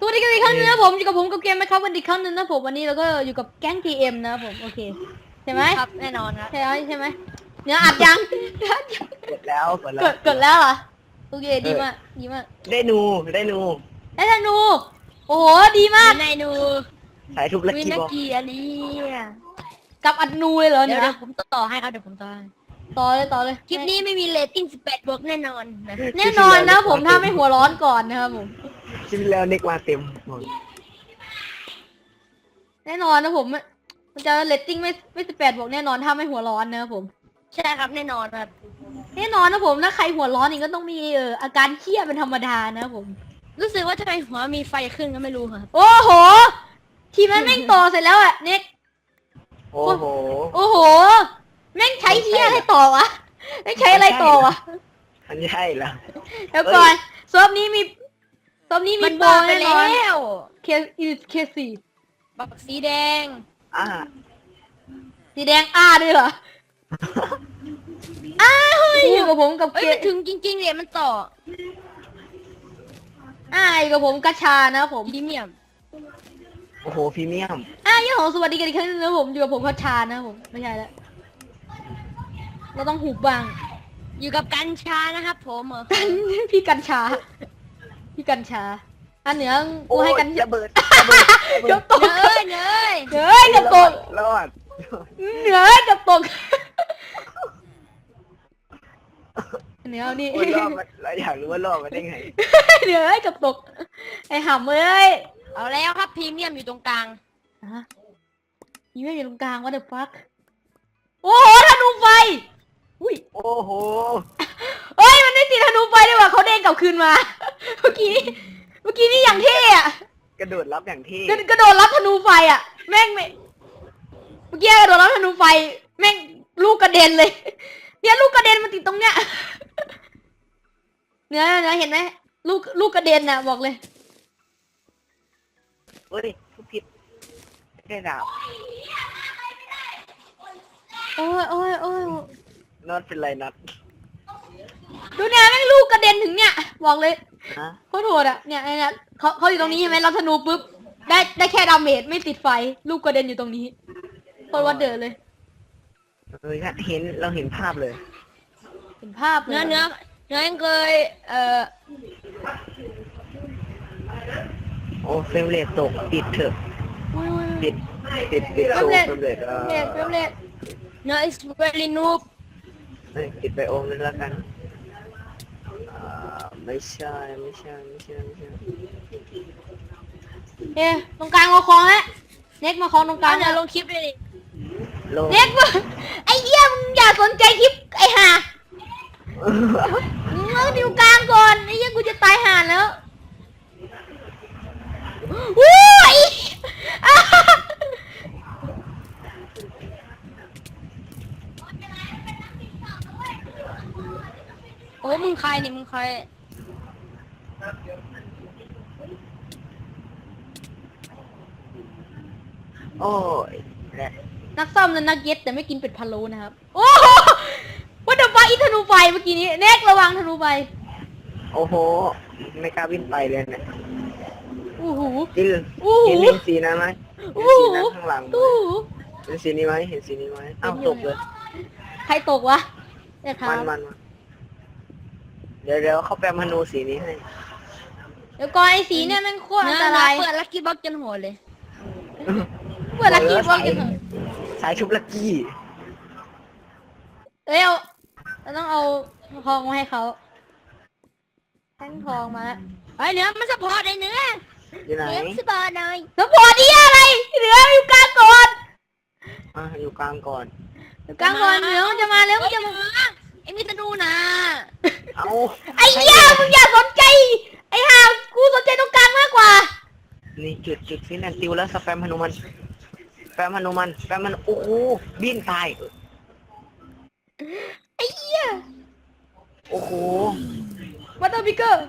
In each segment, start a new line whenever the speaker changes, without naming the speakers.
วัสดีกันอีกครั้งนึงนะผมอยู่กับผมกับเกมไหมครับวันอีกครั้งนึงนะผมวันนี้เราก็อยู่กับแก๊ง TM นะผมโอเคใช่ไหม
ครับแน่นอนครับ
ใช่ไหมเนื้ออัดยัง
กดแล้วกดแล้ว
กดแล้วเหรอโอเคดีมากดีมาก
ได้นูได้นู
ได้ธนูโอ้โหดีมาก
วินัยนู
สายทุบลัก
วิ
กี้
นา
บอก
กีอันนี้
กับอัดนูเลยเหรอ
เดี๋
เนี่ย
วยผมต่อให้ครับเดี๋ยวผมต่อให้
ต่อเลย
คลิปนี้ไม่มีเรตติ้ง18บวกแน่นอนนะ
แน่นอนนะผมถ้าไม่หัวร้อนก่อนนะครับผม
ชิ้นแล้วเน็กมาเต็มหมด
แน่นอนนะผมมันจะเรตติ้งไม่18บวกแน่นอนถ้าไม่หัวร้อนนะครับผม
ใช่ครับแน่นอนครับ
แน่นอนนะผมถ้าใครหัวร้อนนี่ก็ต้องมีอาการเครียดเป็นธรรมดานะครับผม
รู้สึกว่าทำไมหัวมีไฟขึ้นก็ไม่รู้ครับ
โอ้โห ทีมนั้นแม่งต่อเสร็จแล้วอะเน็ก
โอ้โห
โอ้โห แม่งใช้เทียอะไรต่อวะแม่งใช้อะไรต่อวะ
อันนี้ใช่แล้ว
เดี๋ยวก่อนซอฟนี้มี
มัน
โปร
บ้าไป
แน่น
แล้
อน
ว
เคสี่
บักสีแดง
อ่า
สีแดงด้วยเหรอเฮ้ยอยู่กับผมกับ
เอ้ยมันถึงจริงๆเลยมันต่อ
อยู่กับผมกัชชานะผม
พรีเมียม
โอ้โหพรีเมียม
ยี่ของสวัสดีกันอีกครั้งนึงนะผมอยู่กับผมกัชชานะผมไม่ใช่แล้วเราต้องหุบบ้าง
อยู่กับกัญชานะครับผมเหรอ
พี่กัญชา พี่กัญชาอันเหนือกูให้กัญชา
ระเบิดระเบิด
เกือบตก
เนยเนย
เฮ้ยเกือบตก
รอด
เหนือเกือบตกเหนือเอานี่
โอ้ยรอดมันเราอยากรู้ว่ารอดมาได้ไง
เหนือเกือบตกไอ้ห่ำเอ้ย
เอาแล้วครับพรีเมียมอยู่ตรงกลาง
ฮะยี่ไม่อยู่ตรงกลางว่าเดอะฟักโอ้โหธนูไฟอุ้ย
โอ้โห
เอ้ยมันไม่ติดธนูไฟด้วยว่ะเขาเด้งกลับคืนมา เมื่อกี้นี่อย่างเท่อะ
กระโดดรับอย่างที่
กระโดดรับธนูไฟอะแม่งไม่เมื่อกี้กระโดดรับธนูไฟแม่งลูกกระเด็นเลย เนี่ยลูกกระเด็นมันติดตรงเนี้ยเนื้อเห็นไหมลูกกระเด็นน่ะบอกเลย
เฮ้ยทุบผิดแค่ดาบ
โอ้ย
น็อตเป็นไรน็อต
ดูเนี่ยแม่งลูกกระเด็นถึงเนี่ยบอกเลย
ฮะ
โคตรโหดอ่ะเนี่ยเขาอยู่ตรงนี้ใช่ไหมรับธนูปุ๊บได้แค่ดาเมจไม่ติดไฟลูกกระเด็นอยู่ตรงนี้โคตรวัดเดอเลย
เฮ้ยเห็นเราเห็นภาพเลย
เห็นภาพเลย
เนื้อยังเคย
โอ้เฟรมเรทตกปิดเถอะ
อุ้ย
ปิดโซ่เฟรมเรท
เฟรมเรท
เนื้อ is very noob
ปิดไปโอมนึงแล้วกันไม่ใช่
เอ๊ะตรงกลางมาคล้องฮะเน็กมาคล้องตรงกลา
เอา
ง
เดี๋ยวลงคลิปเลยดิ
ลง
เน็กมึงไอ้เหี้ยมึงอย่าสนใจคลิปไอ้ห่ามึงเอาดิวกลางก่อนไอ้เหี้ยกูจะตายห่าแล้ววู้ยอ่ะ
โอ้มึงใครนี่มึงใคร
โอ้ยและ
นักซ่อมและนักเย็ดแต่ไม่กินเป็ดพะโล้นะครับโอ้โหว่าเดอะฟ้าอีธนูไฟเมื่อกี้นี้เน็กระวังธนูไฟ
โอ้โห ไม่กล้าวิ่งไปเลยเนี่ย
อู้หู
จริง
อู้หู
เห็นสีนั้นไหมเห็น
อู้
สี
หู
นั้นข้างหลังไหม
อู้หู
เห็นสีนี้ไหมเห็นสีนี้ไหมอ้าวตกเลย
ใครตกวะเดี๋ยวครั
มั
บ
นเดี๋ยวเขาแปลมนูสีนี้ให้
เดี๋ยวก่อนไอ้สีเนี่ยมันโคตรอันตราย
เปิดลักกี้บ็อกจนหัวเลย
เปิดลักกี้บอลกันเถอะ
สายชุบลักกี้
เอ้ยเราต้องเอาทองมาให้เขาแท่งทองมา
ไอ้เนื้อมันสปอร์ตไอ้เนื้อ
อยู่ไหน
เนื้อสปอร์ตหน่อย
สปอร์ตดีอะไรเหลืออยู่กลางก่อน
อยู่กลางก่อน
อยู่กลางก่อนเหลือมันจะมาแล้วมันจะมา
ไอ้มิตรนูนะ
เอา
ไอ้เหี้ยมึงอย่าสนใจไอ้ห่ากูสนใจตรงกลางมากกว่า
นี่จุดฟินแลนติวแล้วสแปมฮนุมันสแปมฮนุมันสแปมมันโอ้โหบินตาย
ไอ้เหี้ย
โอ้โห
วัตเตอร์บิเกอร์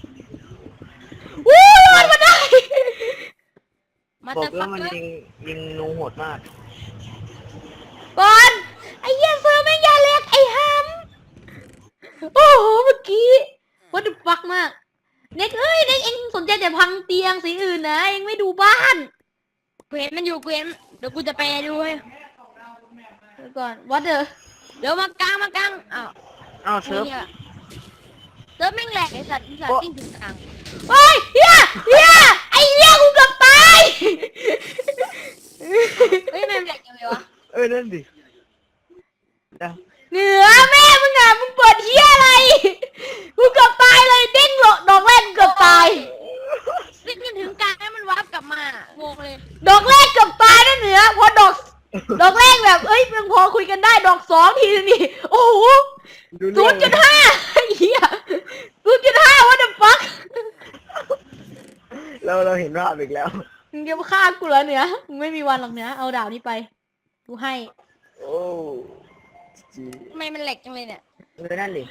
วู้รอดมาได้
มา
บอ
แต่
ก
ฟั
ว่าก มัน
เกอร์
ยิงนูโหดมาก
ก่อนไอ้เหี้ยเสือแม่งยาเล็กไอ้ฮัมโอ้โหเมื่อกี้วัตถุฟักมากเน็กเอ้ยเน็กเอ็งสนใจแต่พังเตียงสีอื่นนะเอ็งไม่ดูบ้าน
กูเห็นมันอยู่กูเห็นเดี๋ยวกูจะไปดูให้
เดี๋ยวก่อนวัดเดอ
เดี๋ยวมากลางอ้าว
อ้าวเซิร์ฟ
เนี่ยเซิร์ฟแม่งแหลกไอ้สัตว์ติ้งถึงกลาง
เฮ้ยเฮียไอ้เฮียกูเกือบตาย
เฮ้ยแม่งแหลกยังไงวะ
นั่นดิเดี๋ยว
เหนือแม่มึงอ่ะมึงเปิดเฮียอะไรกูเกือบตายเลยเด้งดอกแรกเกือบตาย
ติ้งถึงกลางให้มันวาร์ปกลับมางงเลย
ดอกแรกเกือบตายนะเหนือพอดอกแรกแบบเอ้ยยังพอคุยกันได้ดอกสองทีนี่โอ้โห
ดูเรื่อง
0.5เฮีย0.5 what the fuck
เราเห็นภาพอีกแล้ว
มึงจะมาฆ่ากูเหรอเหนือมึงไม่มีวันหรอกเหนือเอาดาบนี้ไปกูให้
โอ้จี
ทำไมมันแหลกจังเลยเนี่ย
นั่นดิ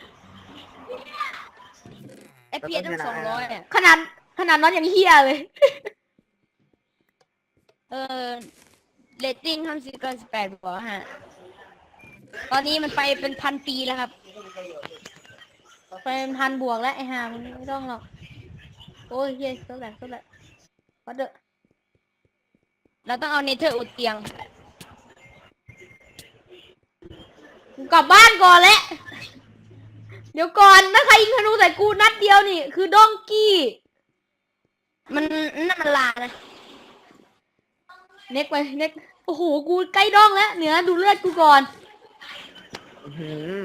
ไอพีตั้ง200อ่ะ
ขนาดนั้นยังเฮียเลย
เรตติ้ง50 เกิน 18บอกฮะตอนนี้มันไปเป็น1,000 ปีแล้วครับ
ไปพันบวกแล้วไอ้ห่ามึงไม่ต้องหรอกโอ้ยเฮียเท่าไหร่วัดเดอ
เราต้องเอาเนเธอร์อุดเตียง
กูกลับบ้านก่อนแล้วเดี๋ยวก่อนถ้าใครยิงธนูใส่กูนัดเดียวนี่คือด้องกี้
มันนั่นมันลานะ
เน็กไปเน็กโอ้โหกูใกล้ด้องแล้วเหนือดูเลือดกูก่อน
อื้อหือ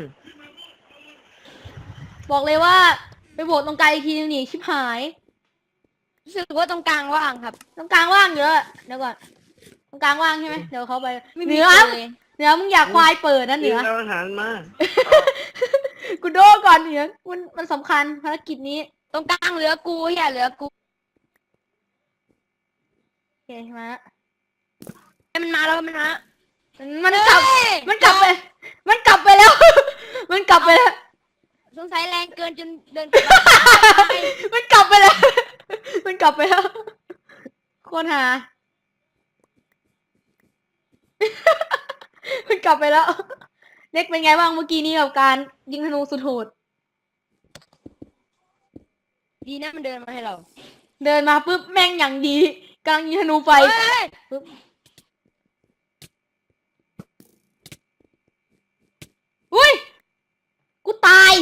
บอกเลยว่าไปโบกตรงกลางอีกทีนึงนี่ชิบหาย
รู้สึกว่าตรงกลางว่างครับ
ตรงกลางว่างเยอะเดี๋ยวก่อนตรงกลางว่างใช่ไหมเดี๋ยวเขาไป
ไม่
เห
มี
นือ
คนเลย
เหนือมึงอยากควายเปิดนะเหนือ
เอาอาหารมา
กูโดก่อนเหนือมันสำคัญภารกิจนี้
ตรงกลางเหลือกูเฮียเหลือกู
โอเคมาละ
ให้มันมาแล้วมันมา
มันกลับ
เฮ้ย
มันกลับไปมันกลับไปแล้ว มันกลับไปแล้ว
สงสัยแรงเกินจนเดินกลับบ้าน
มันกลับไปแล้ว มันกลับไปแล้วโคตรหา มันกลับไปแล้ว เน็กเป็นไงบ้างเมื่อกี้นี้กับการยิงธนูสุดโหด
ดีนะมันเดินมาให้เรา
เดินมาปุ๊บแม่งอย่างดีกำลังยิงธนูไฟ
เฮ้ย
ปุ๊บอุ้ยกูตาย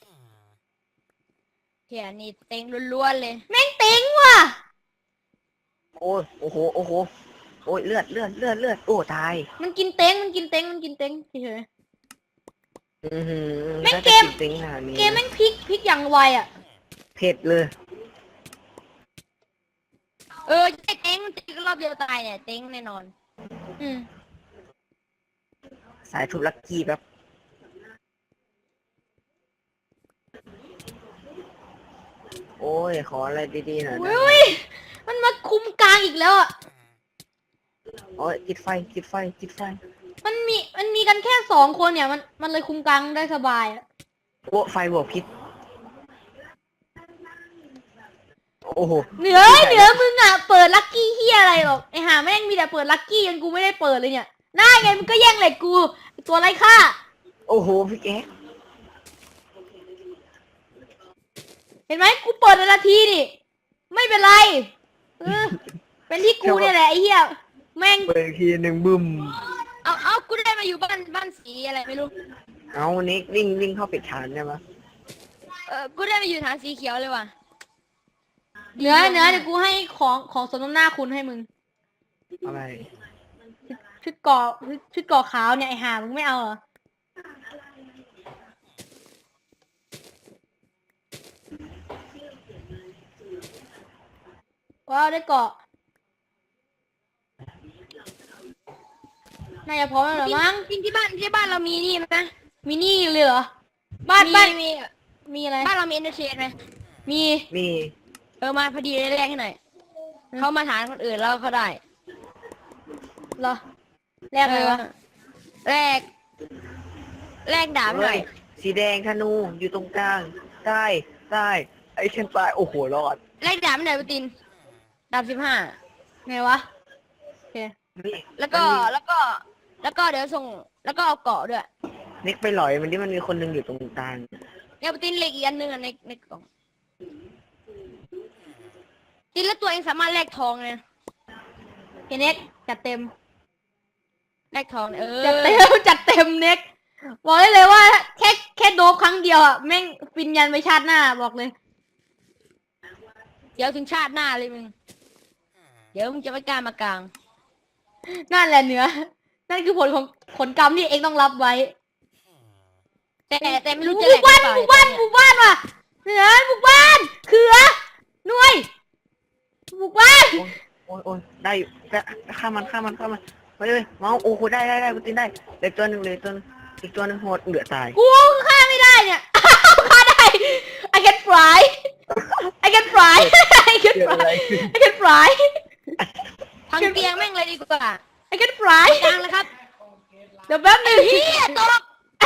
เฮียนี่เต็งล้วนๆเลย
แม่งติ๋งว่ะ
โอ้ยโอ้โหโอ้ยเลือดโอ้ตาย
มันกินเต็งเฉย
อือหือ
แม่ง
น่าจะ
เกม
ติงขนาดนี้
ๆเกมแม่งพลิกอย่างไวอ่ะ
เผ็ดเลย
เต็งรอบเดียวตายเนี่ยเต็งแน่นอน
อืม
สายทุบลักกี้แบบโอ้ยขออะไรดีๆหน่อยนะ
อุ้ยมันมาคุมกลางอีกแล้วอ่ะ
โอ้ยติดไฟ
มันมีกันแค่2 คนเนี่ยมันเลยคุมกลางได้สบายอ่ะ
โอ้ไฟบวกพิษโอ้โห
เหนือมึงอ่ะเปิดลัคกี้เฮียอะไรหรอกไอห่าแม่งมีแต่เปิดลัคกี้ยังกูไม่ได้เปิดเลยเนี่ยน่าไงมึงก็แย่งเหล็กกูไอ้ตัวไร้ค่า
โอ้โหพี่แก๊ก
เห็นไหมกูเปิดนาทีนี่ไม่เป็นไรเออเป็นที่กูเนี่ยแหละไอ้เหี้ยแม่ง
เปิดอีกทีหนึ่งบึ้ม
เอากูได้มาอยู่บ้านสีอะไรไม่รู้
เอานิกวิ่งเข้าปิดฐานได้ปะ
กูได้มาอยู่ฐานสีเขียวเลยว่ะ
เหนือเดี๋ยวกูให้ของสมน้ำหน้าคุณให้มึง
อะไร
ชุดเกาะขาวเนี่ยไอ้ห่ามึงไม่เอาเหรอว้าวได้เกาะน่าจะพร้อมแล้วเหรอมั้ง
จริงที่บ้านเรามีนี่ไหม
มีนี่เลยเหรอบ้าน
มี
มีอะไร
บ้านเรามีเอนเตอร์เทนไหม
มี
มี
มาพอดีแรกให้หน่อยเขามาฐานคนอื่นแล้วเขาได้
เหรอแรกอะไรวะ
แรกดาบหน่อย
สีแดงธนูอยู่ตรงกลางใต้ไอ้ฉันตายโอ้โหรอด
แรกดาบหน่อยปตินดาบ15
ไงวะโอเค
นี่
แล้วก็เดี๋ยวส่งแล้วก็เอาเกาะด้วย
นิกไปหลอยมันที่มันมีคนหนึงอยู่ตรงกลาง
เนี่ยปตินเหล็กอีกอันนึงอ่ะในกล่องจริงแล้วตัวเองสามารถแลกทองเลยนะ
เน็กจัดเต็ม
แลกทองเนี่ย
จัดเต็มจัดเต็มเน็กบอกได้เลยว่าแค่โดบครั้งเดียวอ่ะแม่งฟินยันไปชาติหน้าบอกเลย
เดี๋ยวถึงชาติหน้าเลยมึง เดี๋ยวมึงจะไม่กล้ามากลาง
นั่นแหละเหนือนั่นคือผลของผลกรรมที่เองต้องรับไว้
แต่ไม่รู้
บุ
จะแล
ก
ก
บ้าน
หรือ
บุก
เป
บ้า
ล่าน
บุกบ้านว่ะเหนือบุกบ้านเขือหน่วยบุกบ้าน
โอ้ยได้อยู่ฆ่ามันไปเลยเมาส์โอ้โหได้กูตีนได้เหลือตัวหนึ่งอีกตัวหนึ่งโหดเหลือตาย
กูฆ่าไม่ได้เนี่ย ฆ่าได้ I can fly I can fly I can
เกิด
fly
อะไรขึ้น
I can fly
พังเตียงแม่งเลยดีกว่า
I can fly
กลางเลยครับ
เดี๋ยวแป๊บนึง
เฮียตก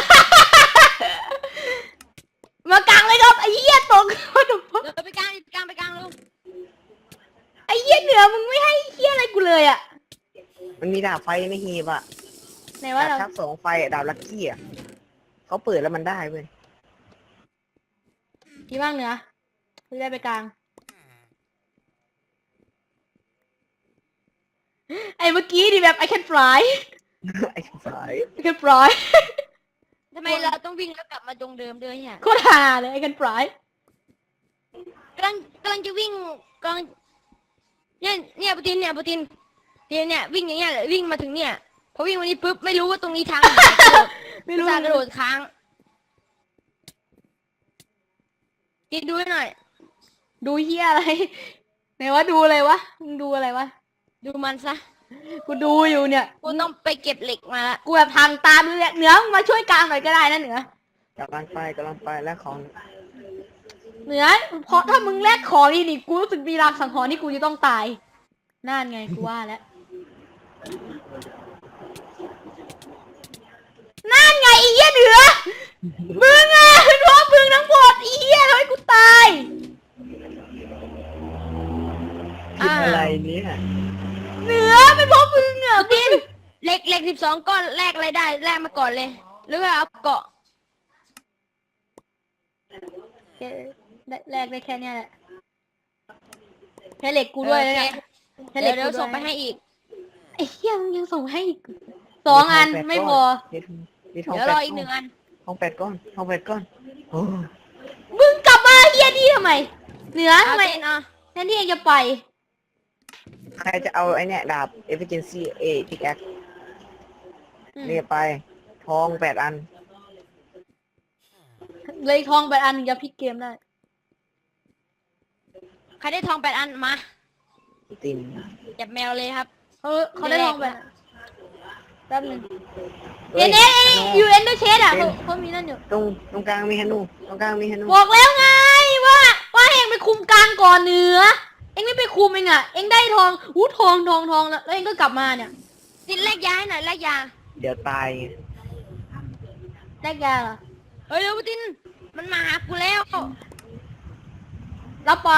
มากลางเลยครับไอ้เหี้ยตก What the fuck
เดี๋ยวไปกลางลูก
ไอ้เหี้ยเหนือมึงไม่ให้เหี้ยอะไรกูเลยอ่ะ
มันมีดาบไฟในหีบอ่ะ
ไหนว่า
ดาบ
เรา
ทับ2ไฟอะดาบลัคกี้อ่ะเขาเปิดแล้วมันได้เว้ย
ดีมากเหนือพี่ได้ไปกลาง ไอ้เมื่อกี้ดิแบบ I can fly
ไอ้สาย
I can fly
ทำไมเราต้องวิ่งแล้วกลับมาตรงเดิมด้วยเนี่ย
โคตรฮาเลย I can fly
กำลังจะวิ่งกำลังเนี่ยปูตินเนี่ยวิ่งอย่างเงี้ยวิ่งมาถึงเนี่ยพอวิ่งมานี้ปุ๊บไม่รู้ว่าตรงนี้ทางไหนกระโดด
ไม่รู้
อุตส่าห์กระโดดค้างกินดูให้หน่อย
ดูเหี้ยอะไร ไหนว่าดูอะไรวะมึงดูอะไรวะ
ดูมันซะ
กูดูอยู่เนี่ย
กูต้องไปเก็บเหล็กมาละ
กูแบบทางตามดูเนี่ยเหนือมึงมาช่วยกลางหน่อยก็ได้นะเหนือก
ำลังไปแล้วของ
เหนือเพราะถ้ามึงแลกของนี่กูรู้สึกมีรางสังหรณ์ที่กูจะต้องตายนั่นไงกูว่าแล้วนั่นไงไอ้เหี้ยเหนือมึงอ่ะเป็นเพราะมึงทั้งหมดไอ้เหี้ยทำให้กูตาย
กินอะไรเนี่ย
เหนือเป็นเพราะมึงอ่ะมึง
เหล็ก12 ก้อนแลกอะไรได้แลกมาก่อนเลย หรือว่าเอาเกาะ
แรกได้แค่เนี้ยแหละแค่เหล็กกูด้วยนะเนี่ยแค่เหล็ก
เดี๋ยว
กูด้วย
ส่งไปให้อีก
ไอ้เหี้ยมึงยังส่งให้อีก2 อันไม่พอ
มีทอง
เดี๋ยวรออีก1 อัน
ทอง8 ก้อนโอ้
มึงกลับมาเฮียนี่ทำไม เหนือทำไม
เอาเจนเอา
แทนที่เองจะไป
ใครจะเอาไอ้เนี่ยดาบ efficiency A pickaxe เรียกไปทอง8 อัน
เลยทองไปอันหนึงจะพลิกเกมได้
ใครได้ทอง8 อันมา
ติน
จับแมวเลยครับ
เขาได้ทองไปอันแป๊บหนึง
ฮ้ย
เน็ตยูเอ็นเดอร์เชดอ่ะเขามีนั่นอยู่
ตรงกลางมีฮนู
บอกแล้วไงว่าให้เองไปคุมกลางก่อนเหนือ เองไม่ไปคุมเองอ่ะ เองได้ทองทองแล้วเองก็กลับมาเนี่ย
ตินแลกยาให้หน่อยแลกยา
เดี๋ยวตายไง
แลกยาเหรอ
เฮ้ยเร็วตินมันมาหากูแล้ว
รับไป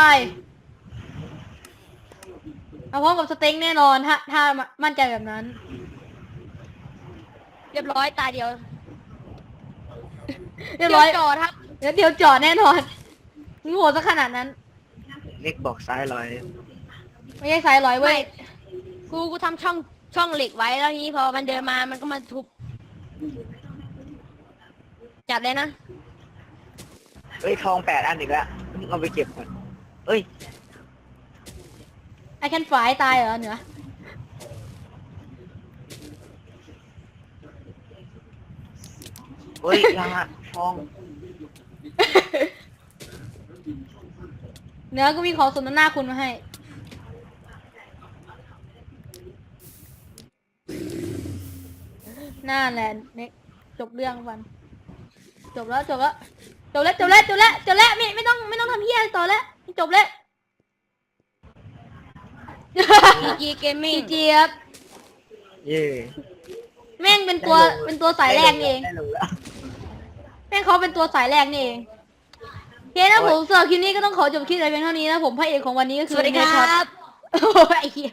เอาพร้อมกับสเต็งแน่นอนถ้ามั่นใจแบบนั้น
เรียบร้อยตาเดียว
เรียบร้อย
จอดครับ
เดี๋ยวจอดแน่นอนมึงโหดซะขนาดนั้น
เล็กบอกซ้ายลอย
ไม่ใช่สายร้อยเว้
ไม่
ย
กูทำช่องเหล็กไว้แล้วทีนี้พอมันเดินมามันก็มาทุบจับเลยนะ
เอ้ยทอง8 อันอีกแล้วเอาไปเก็บก่อนเอ้ย
ไอแคนฝ่ายตายเหรอเหนือ
เฮ้ยยาทอง
เหนือก็มีของสมน้ำหน้าคุณมาให้ น่าแหละเน็กจบเรื่องวันจบแล้วไม่ต้องทำเฮียอะไรต่อแล้วจบแล้ว
GG Gaming
เจี๊ยบ
เย่
แม่งเป็นตัวสายแรกนี่เอง
ได้ลงแล้ว
แม่งเขาเป็นตัวสายแรกนี่เองโอเคนะผมสำหรับคลิปนี้ก็ต้องขอจบคลิปแต่เพียงเท่านี้นะผมพระเอกของวันนี้ก็
ส
คือ
วัสดีค
เน
รั
ช็อต
บ
โอ้ยไอ้เหี้ย